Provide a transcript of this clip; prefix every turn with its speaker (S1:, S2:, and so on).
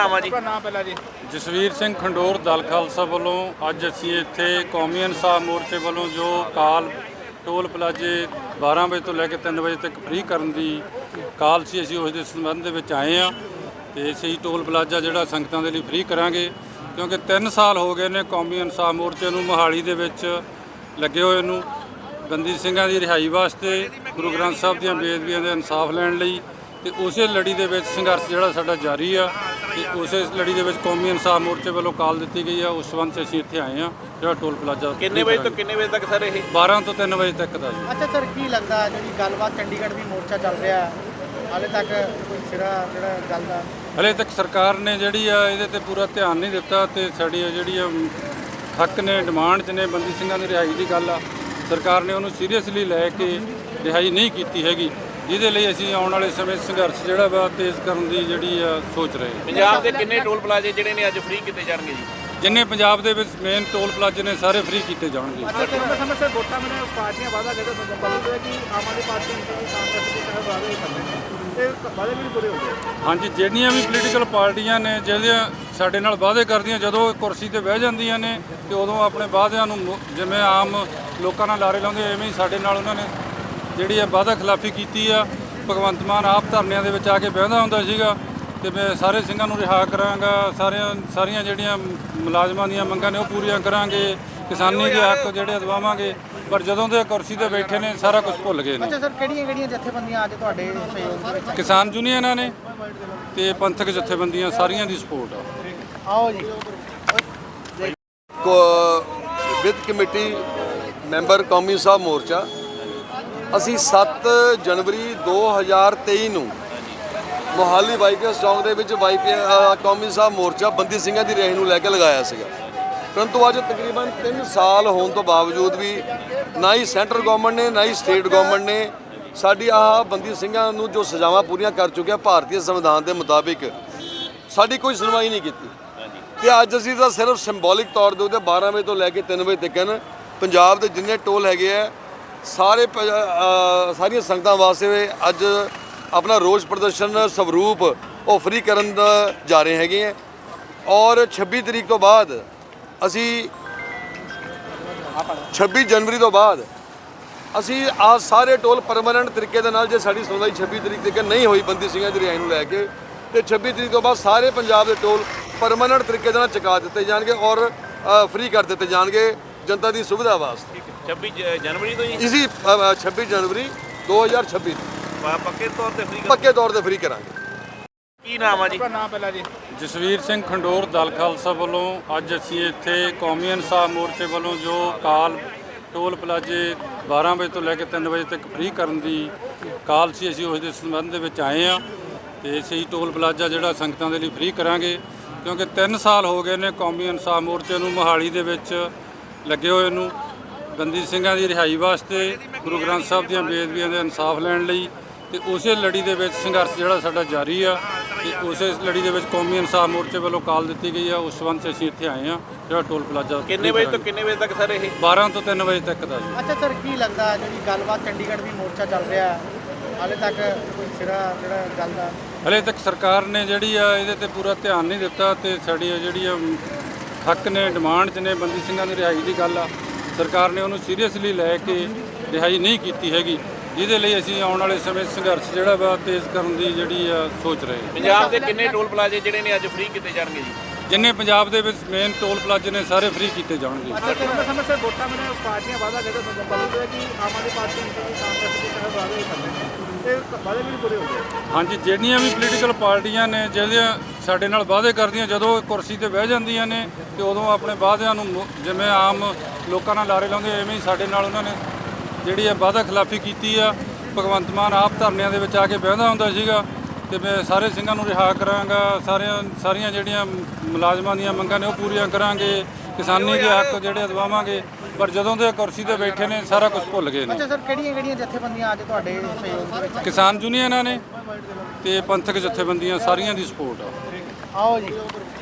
S1: ਨਾਮ ਆ ਜੀ?
S2: ਨਾਮ ਪਹਿਲਾਂ ਜੀ
S3: ਜਸਵੀਰ ਸਿੰਘ ਖੰਡੋਰ ਦਲ ਖਾਲਸਾ ਵੱਲੋਂ ਅੱਜ ਅਸੀਂ ਇੱਥੇ ਕੌਮੀ ਇਨਸਾਫ ਮੋਰਚੇ ਵੱਲੋਂ ਜੋ ਕਾਲ ਟੋਲ ਪਲਾਜ਼ੇ 12 ਵਜੇ ਤੋਂ ਲੈ ਕੇ 3 ਵਜੇ ਤੱਕ ਫ੍ਰੀ ਕਰਨ ਦੀ ਕਾਲ ਸੀ, ਅਸੀਂ ਉਸ ਦੇ ਸੰਬੰਧ ਦੇ ਵਿੱਚ ਆਏ ਹਾਂ ਤੇ ਅਸੀਂ ਟੋਲ ਪਲਾਜ਼ਾ ਜਿਹੜਾ ਸੰਗਤਾਂ ਦੇ ਲਈ ਫ੍ਰੀ ਕਰਾਂਗੇ ਕਿਉਂਕਿ 3 ਸਾਲ ਹੋ ਗਏ ਨੇ ਕੌਮੀ ਇਨਸਾਫ ਮੋਰਚੇ ਨੂੰ ਮੋਹਾਲੀ ਦੇ ਵਿੱਚ ਲੱਗੇ ਹੋਏ ਨੂੰ ਬੰਦੀ ਸਿੰਘਾਂ ਦੀ ਰਿਹਾਈ ਵਾਸਤੇ, ਗੁਰੂ ਗ੍ਰੰਥ ਸਾਹਿਬ ਦੀਆਂ ਬੇਅਦਬੀਆਂ ਦੇ ਇਨਸਾਫ ਲੈਣ ਲਈ ਤੇ ਉਸੇ ਲੜੀ ਦੇ ਵਿੱਚ ਸੰਘਰਸ਼ ਜਿਹੜਾ ਸਾਡਾ ਜਾਰੀ ਆ ਤੇ ਉਸੇ ਲੜੀ ਦੇ ਵਿੱਚ ਕੌਮੀ ਇਨਸਾਫ ਮੋਰਚੇ ਵੱਲੋਂ ਕਾਲ ਦਿੱਤੀ ਗਈ ਆ। ਉਸ ਸੰਬੰਧ 'ਚ ਅਸੀਂ ਇੱਥੇ ਆਏ ਹਾਂ ਜਿਹੜਾ ਟੋਲ ਪਲਾਜ਼ਾ
S1: ਕਿੰਨੇ ਵਜੇ ਤੋਂ ਕਿੰਨੇ ਵਜੇ ਤੱਕ ਸਰ ਇਹ?
S3: 12 ਤੋਂ 3 ਵਜੇ ਤੱਕ ਦਾ ਜੀ।
S2: ਅੱਛਾ ਸਰ, ਕੀ ਲੱਗਦਾ ਜਿਹੜੀ ਗੱਲਬਾਤ ਚੰਡੀਗੜ੍ਹ ਦੀ ਮੋਰਚਾ ਚੱਲ ਰਿਹਾ ਹਾਲੇ ਤੱਕ ਕੋਈ ਸਿਰਾ ਜਿਹੜਾ ਗੱਲ ਦਾ
S3: ਹਲੇ ਤੱਕ ਸਰਕਾਰ ਨੇ ਜਿਹੜੀ ਆ ਇਹਦੇ ਤੇ ਪੂਰਾ ਧਿਆਨ ਨਹੀਂ ਦਿੱਤਾ ਤੇ ਸਾਡੀ ਜਿਹੜੀ ਆ ਹੱਕ ਨੇ, ਡਿਮਾਂਡ 'ਚ ਨੇ ਬੰਦੀ ਸਿੰਘਾਂ ਦੀ ਰਿਹਾਈ ਦੀ ਗੱਲ ਆ, ਸਰਕਾਰ ਨੇ ਉਹਨੂੰ ਸੀਰੀਅਸਲੀ ਲੈ ਕੇ ਰਿਹਾਈ ਨਹੀਂ ਕੀਤੀ ਹੈਗੀ, ਜਿਹਦੇ ਲਈ ਅਸੀਂ ਆਉਣ ਵਾਲੇ ਸਮੇਂ ਸੰਘਰਸ਼ ਜਿਹੜਾ ਵਾ ਤੇਜ਼ ਕਰਨ ਦੀ ਜਿਹੜੀ ਆ ਸੋਚ ਰਹੇ ਹਾਂ।
S1: ਪੰਜਾਬ ਦੇ ਕਿੰਨੇ ਟੋਲ ਪਲਾਜ਼ੇ ਜਿਹੜੇ ਨੇ ਅੱਜ ਫ੍ਰੀ ਕੀਤੇ ਜਾਣਗੇ ਜੀ?
S3: ਜਿੰਨੇ ਪੰਜਾਬ ਦੇ ਵਿੱਚ ਮੇਨ ਟੋਲ ਪਲਾਜ਼ੇ ਨੇ ਸਾਰੇ ਫ੍ਰੀ ਕੀਤੇ ਜਾਣਗੇ।
S2: ਅੱਛਾ ਸਰ, ਸਮੇਂ ਸਿਰ ਵੋਟਾਂ ਮੈਨੂੰ ਪਾਰਟੀਆਂ ਵਾਅਦਾ ਕਰਦੇ ਬਦਲਦੇ ਕਿ ਆਮ ਆਦਮੀ ਪਾਰਟੀ ਨੂੰ ਕਾਂਗਰਸ ਦੇ ਸਾਹਿਬ ਵਾਅਦੇ ਕਰਦੇ ਨੇ ਤੇ ਵਾਅਦੇ ਵੀ ਪੂਰੇ ਹੁੰਦੇ।
S3: ਹਾਂਜੀ, ਜਿਹੜੀਆਂ ਵੀ ਪੋਲੀਟੀਕਲ ਪਾਰਟੀਆਂ ਨੇ ਜਿਹੜੀਆਂ ਸਾਡੇ ਨਾਲ ਵਾਅਦੇ ਕਰਦੀਆਂ, ਜਦੋਂ ਕੁਰਸੀ ਤੇ ਬਹਿ ਜਾਂਦੀਆਂ ਨੇ ਤੇ ਉਦੋਂ ਆਪਣੇ ਵਾਅਦਿਆਂ ਨੂੰ ਜਿਵੇਂ ਆਮ ਲੋਕਾਂ ਨਾਲ ਲਾਰੇ ਲਾਉਂਦੇ ਐਵੇਂ ਹੀ ਸਾਡੇ ਨਾਲ ਉਹਨਾਂ ਨੇ ਜਿਹੜੀ ਆ ਵਾਅਦਾ ਖਿਲਾਫੀ ਕੀਤੀ ਆ। ਭਗਵੰਤ ਮਾਨ ਆਪ ਧਰਨਿਆਂ ਦੇ ਵਿੱਚ ਆ ਕੇ ਬਹਿੰਦਾ ਹੁੰਦਾ ਸੀਗਾ ਤੇ ਮੈਂ ਸਾਰੇ ਸਿੰਘਾਂ ਨੂੰ ਰਿਹਾ ਕਰਾਂਗਾ, ਸਾਰੀਆਂ ਜਿਹੜੀਆਂ ਮੁਲਾਜ਼ਮਾਂ ਦੀਆਂ ਮੰਗਾਂ ਨੇ ਉਹ ਪੂਰੀਆਂ ਕਰਾਂਗੇ, ਕਿਸਾਨੀ ਦੇ ਹੱਕ ਜਿਹੜੇ ਦਵਾਵਾਂਗੇ, ਪਰ ਜਦੋਂ ਦੇ ਕੁਰਸੀ ਤੇ ਬੈਠੇ ਨੇ ਸਾਰਾ ਕੁਝ ਭੁੱਲ ਗਏ ਨੇ।
S2: ਅੱਛਾ ਸਰ, ਕਿਹੜੀਆਂ ਜਥੇਬੰਦੀਆਂ ਅੱਜ ਤੁਹਾਡੇ ਸਹਿਯੋਗ ਦੇ ਵਿੱਚ?
S3: ਕਿਸਾਨ ਯੂਨੀਅਨਾਂ ਨੇ ਤੇ ਪੰਥਕ ਜਥੇਬੰਦੀਆਂ ਸਾਰੀਆਂ ਦੀ ਸਪੋਰਟ ਆ।
S2: ਆਓ ਜੀ।
S4: ਵਿੱਤ ਕਮੇਟੀ ਮੈਂਬਰ ਕੌਮੀ ਸਾਹਿਬ ਮੋਰਚਾ ਅਸੀਂ 7 ਜਨਵਰੀ 2023 ਨੂੰ ਮੋਹਾਲੀ ਵਾਈਪੀਐਸ ਚੌਂਕ ਦੇ ਵਿੱਚ ਕੌਮੀ ਸਾਹਿਬ ਮੋਰਚਾ ਬੰਦੀ ਸਿੰਘਾਂ ਦੀ ਰਿਹਾਈ ਨੂੰ ਲੈ ਕੇ ਲਗਾਇਆ ਸੀਗਾ, ਪਰੰਤੂ ਅੱਜ ਤਕਰੀਬਨ 3 ਸਾਲ ਹੋਣ ਤੋਂ ਬਾਵਜੂਦ ਵੀ ਨਾ ਹੀ ਸੈਂਟਰ ਗਵਰਨਮੈਂਟ ਨੇ ਨਾ ਹੀ ਸਟੇਟ ਗਵਰਨਮੈਂਟ ਨੇ ਸਾਡੀ ਆਹ ਬੰਦੀ ਸਿੰਘਾਂ ਨੂੰ ਜੋ ਸਜ਼ਾਵਾਂ ਪੂਰੀਆਂ ਕਰ ਚੁੱਕਿਆ ਭਾਰਤੀ ਸੰਵਿਧਾਨ ਦੇ ਮੁਤਾਬਿਕ ਸਾਡੀ ਕੋਈ ਸੁਣਵਾਈ ਨਹੀਂ ਕੀਤੀ ਤੇ ਅੱਜ ਅਸੀਂ ਤਾਂ ਸਿਰਫ ਸਿੰਬੋਲਿਕ ਤੌਰ ਦੇ ਉੱਤੇ 12 ਵਜੇ ਤੋਂ ਲੈ ਕੇ 3 ਵਜੇ ਤੱਕ ਪੰਜਾਬ ਦੇ ਜਿੰਨੇ ਟੋਲ ਹੈਗੇ ਆ ਸਾਰੀਆਂ ਸੰਗਤਾਂ ਵਾਸਤੇ ਅੱਜ ਆਪਣਾ ਰੋਸ ਪ੍ਰਦਰਸ਼ਨ ਸਵਰੂਪ ਉਹ ਫ੍ਰੀ ਕਰਨ ਦਾ ਜਾ ਰਹੇ ਹੈਗੇ ਆ ਔਰ 26 ਤਰੀਕ ਤੋਂ ਬਾਅਦ ਅਸੀਂ 26 ਜਨਵਰੀ ਤੋਂ ਬਾਅਦ ਅਸੀਂ ਆ ਸਾਰੇ ਟੋਲ ਪਰਮਾਨੈਂਟ ਤਰੀਕੇ ਦੇ ਨਾਲ ਜੇ ਸਾਡੀ ਸੁਣਵਾਈ 26 ਤਰੀਕ ਤੱਕ ਨਹੀਂ ਹੋਈ ਬੰਦੀ ਸਿੰਘਾਂ ਦੀ ਰਿਹਾਈ ਨੂੰ ਲੈ ਕੇ ਤੇ 26 ਤਰੀਕ ਤੋਂ ਬਾਅਦ ਸਾਰੇ ਪੰਜਾਬ ਦੇ ਟੋਲ ਪਰਮਾਨੈਂਟ ਤਰੀਕੇ ਦੇ ਨਾਲ ਚੁਕਾ ਦਿੱਤੇ ਜਾਣਗੇ ਔਰ ਫ੍ਰੀ ਕਰ ਦਿੱਤੇ ਜਾਣਗੇ ਜਨਤਾ ਦੀ ਸੁਵਿਧਾ ਵਾਸਤੇ।
S1: 26 ਜਨਵਰੀ ਤੋਂ ਜੀ?
S4: ਇਸੀ 26 ਜਨਵਰੀ 2026
S1: ਪੱਕੇ ਤੌਰ ਤੇ ਫ੍ਰੀ?
S4: ਪੱਕੇ ਤੌਰ ਤੇ ਫ੍ਰੀ ਕਰਾਂਗੇ।
S1: ਕੀ ਨਾਮ ਆ ਜੀ?
S2: ਨਾਮ ਪਹਿਲਾਂ ਜੀ
S3: ਜਸਵੀਰ ਸਿੰਘ ਖੰਡੋਰ ਦਲ ਖਾਲਸਾ ਵੱਲੋਂ ਅੱਜ ਅਸੀਂ ਇੱਥੇ ਕੌਮੀ ਇਨਸਾਫ ਮੋਰਚੇ ਵੱਲੋਂ ਜੋ ਕਾਲ ਟੋਲ ਪਲਾਜ਼ੇ 12 ਵਜੇ ਤੋਂ ਲੈ ਕੇ 3 ਵਜੇ ਤੱਕ ਫ੍ਰੀ ਕਰਨ ਦੀ ਕਾਲ ਸੀ, ਅਸੀਂ ਉਸ ਦੇ ਸੰਬੰਧ ਦੇ ਵਿੱਚ ਆਏ ਹਾਂ ਤੇ ਅਸੀਂ ਟੋਲ ਪਲਾਜ਼ਾ ਜਿਹੜਾ ਸੰਗਤਾਂ ਦੇ ਲਈ ਫ੍ਰੀ ਕਰਾਂਗੇ ਕਿਉਂਕਿ 3 ਸਾਲ ਹੋ ਗਏ ਨੇ ਕੌਮੀ ਇਨਸਾਫ ਮੋਰਚੇ ਨੂੰ ਮੋਹਾਲੀ ਦੇ ਵਿੱਚ ਲੱਗੇ ਹੋਏ ਨੂੰ ਬੰਦੀ ਸਿੰਘਾਂ ਦੀ ਰਿਹਾਈ ਵਾਸਤੇ, ਗੁਰੂ ਗ੍ਰੰਥ ਸਾਹਿਬ ਦੀਆਂ ਬੇਅਦਬੀਆਂ ਦੇ ਇਨਸਾਫ ਲੈਣ ਲਈ ਤੇ ਉਸੇ ਲੜੀ ਦੇ ਵਿੱਚ ਸੰਘਰਸ਼ ਜਿਹੜਾ ਸਾਡਾ ਜਾਰੀ ਆ ਤੇ ਉਸੇ ਲੜੀ ਦੇ ਵਿੱਚ ਕੌਮੀ ਇਨਸਾਫ ਮੋਰਚੇ ਵੱਲੋਂ ਕਾਲ ਦਿੱਤੀ ਗਈ ਆ। ਉਸ ਸੰਬੰਧ 'ਚ ਅਸੀਂ ਇੱਥੇ ਆਏ ਹਾਂ ਜਿਹੜਾ ਟੋਲ ਪਲਾਜ਼ਾ
S1: ਕਿੰਨੇ ਵਜੇ ਤੋਂ ਕਿੰਨੇ ਵਜੇ ਤੱਕ ਸਰ ਇਹ?
S3: 12 ਤੋਂ 3 ਵਜੇ ਤੱਕ ਦਾ ਜੀ।
S2: ਅੱਛਾ ਸਰ, ਕੀ ਲੱਗਦਾ ਜਿਹੜੀ ਗੱਲਬਾਤ ਚੰਡੀਗੜ੍ਹ ਦੀ ਮੋਰਚਾ ਚੱਲ ਰਿਹਾ ਹਾਲੇ ਤੱਕ ਕੋਈ ਸਿਰਾ ਜਿਹੜਾ ਗੱਲ ਦਾ
S3: ਹਲੇ ਤੱਕ ਸਰਕਾਰ ਨੇ ਜਿਹੜੀ ਆ ਇਹਦੇ ਤੇ ਪੂਰਾ ਧਿਆਨ ਨਹੀਂ ਦਿੱਤਾ ਤੇ ਸਾਡੀ ਜਿਹੜੀ ਆ ਹੱਕ ਨੇ, ਡਿਮਾਂਡ 'ਚ ਨੇ ਬੰਦੀ ਸਿੰਘਾਂ ਦੀ ਰਿਹਾਈ ਦੀ ਗੱਲ ਆ, ਸਰਕਾਰ ਨੇ ਉਹਨੂੰ ਸੀਰੀਅਸਲੀ ਲੈ ਕੇ ਰਿਹਾਈ ਨਹੀਂ ਕੀਤੀ ਹੈਗੀ, ਜਿਹਦੇ ਲਈ ਅਸੀਂ ਆਉਣ ਵਾਲੇ ਸਮੇਂ ਸੰਘਰਸ਼ ਜਿਹੜਾ ਵਾ ਤੇਜ਼ ਕਰਨ ਦੀ ਜਿਹੜੀ ਆ ਸੋਚ ਰਹੇ ਹਾਂ।
S1: ਪੰਜਾਬ ਦੇ ਕਿੰਨੇ ਟੋਲ ਪਲਾਜ਼ੇ ਜਿਹੜੇ ਨੇ ਅੱਜ ਫ੍ਰੀ ਕੀਤੇ ਜਾਣਗੇ ਜੀ?
S3: ਜਿੰਨੇ ਪੰਜਾਬ ਦੇ ਵਿੱਚ ਮੇਨ ਟੋਲ ਪਲਾਜ਼ੇ ਨੇ ਸਾਰੇ ਫ੍ਰੀ ਕੀਤੇ ਜਾਣਗੇ।
S2: ਅੱਛਾ ਸਰ, ਸਮੇਂ ਸਿਰ ਵੋਟਾਂ ਮੈਨੂੰ ਪਾਰਟੀਆਂ ਵਾਅਦਾ ਕਰਦੇ ਬਦਲਦੇ ਕਿ ਆਮ ਆਦਮੀ ਪਾਰਟੀ ਨੂੰ ਕਾਂਗਰਸ ਦੇ ਸਾਹਿਬ ਵਾਅਦੇ ਕਰਦੇ ਨੇ ਤੇ ਵਾਅਦੇ ਵੀ ਪੂਰੇ ਹੁੰਦੇ।
S3: ਹਾਂਜੀ, ਜਿਹੜੀਆਂ ਵੀ ਪੋਲੀਟੀਕਲ ਪਾਰਟੀਆਂ ਨੇ ਜਿਹੜੀਆਂ ਸਾਡੇ ਨਾਲ ਵਾਅਦੇ ਕਰਦੀਆਂ, ਜਦੋਂ ਕੁਰਸੀ ਤੇ ਬਹਿ ਜਾਂਦੀਆਂ ਨੇ ਤੇ ਉਦੋਂ ਆਪਣੇ ਵਾਅਦਿਆਂ ਨੂੰ ਜਿਵੇਂ ਆਮ ਲੋਕਾਂ ਨਾਲ ਲਾਰੇ ਲਾਉਂਦੇ ਐਵੇਂ ਹੀ ਸਾਡੇ ਨਾਲ ਉਹਨਾਂ ਨੇ ਜਿਹੜੀ ਆ ਵਾਅਦਾ ਖਿਲਾਫੀ ਕੀਤੀ ਆ। ਭਗਵੰਤ ਮਾਨ ਆਪ ਧਰਨਿਆਂ ਦੇ ਵਿੱਚ ਆ ਕੇ ਬਹਿੰਦਾ ਹੁੰਦਾ ਸੀਗਾ ਤੇ ਮੈਂ ਸਾਰੇ ਸਿੰਘਾਂ ਨੂੰ ਰਿਹਾ ਕਰਾਂਗਾ, ਸਾਰੀਆਂ ਜਿਹੜੀਆਂ ਮੁਲਾਜ਼ਮਾਂ ਦੀਆਂ ਮੰਗਾਂ ਨੇ ਉਹ ਪੂਰੀਆਂ ਕਰਾਂਗੇ, ਕਿਸਾਨੀ ਦੇ ਹੱਕ ਜਿਹੜੇ ਦਵਾਵਾਂਗੇ, ਪਰ ਜਦੋਂ ਦੇ ਕੁਰਸੀ ਤੇ ਬੈਠੇ ਨੇ ਸਾਰਾ ਕੁਝ ਭੁੱਲ ਗਏ ਨੇ।
S2: ਅੱਛਾ ਸਰ, ਕਿਹੜੀਆਂ ਜਥੇਬੰਦੀਆਂ ਅੱਜ ਤੁਹਾਡੇ ਸਹਿਯੋਗ ਦੇ ਵਿੱਚ?
S3: ਕਿਸਾਨ ਯੂਨੀਅਨਾਂ ਨੇ ਤੇ ਪੰਥਕ ਜਥੇਬੰਦੀਆਂ ਸਾਰੀਆਂ ਦੀ ਸਪੋਰਟ ਆ।
S2: ਆਓ ਜੀ।